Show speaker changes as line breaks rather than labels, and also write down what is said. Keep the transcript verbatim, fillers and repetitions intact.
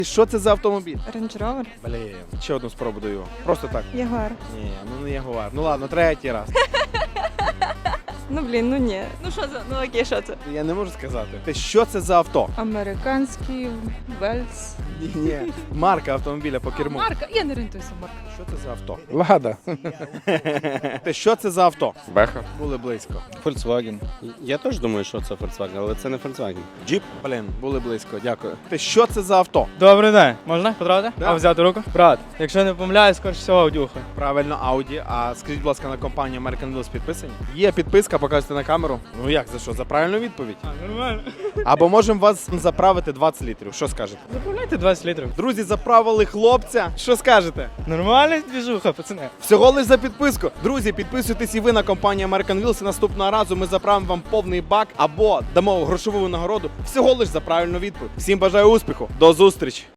Що це за автомобіль?
Range Rover.
Блін, ще одну спробу даю. Просто так.
Ягуар.
Ні, ну не Ягуар. Ну ладно, третій раз.
Ну блін, ну ні. Ну що це? Ну окей, що це?
Я не можу сказати. Ти що це за авто?
Американський Вельс.
Ні, ні. Марка автомобіля по керму.
Марка? Я не орієнтуюся в марках.
Що це за авто?
Лада.
Ти що це за авто?
Беха.
Були близько.
Volkswagen.
Я теж думаю, що це Volkswagen, але це не Volkswagen.
Джіп? Блін, були близько, дякую. Ти що це за авто?
Добрий день. Можна потрапити?
Да.
А взяти руку? Брат, якщо не помиляюсь, скоріш всього Аудюха.
Правильно, Audi. А скажіть, будь ласка, на компанію American Wheels підписані? Є підписка, показуйте на камеру. Ну як, за що? За правильну відповідь?
А, нормально.
Або можемо вас заправити двадцять літрів. Що скажете?
Заправляйте двадцять літрів.
Друзі, заправили хлопця. Що скажете?
Нормальна двіжуха, пацани.
Всього лиш за підписку. Друзі, підписуйтесь і ви на компанію American Wheels. І наступного разу ми заправимо вам повний бак або дамо грошову нагороду. Всього лиш за правильну відповідь. Всім бажаю успіху. До зустрічі!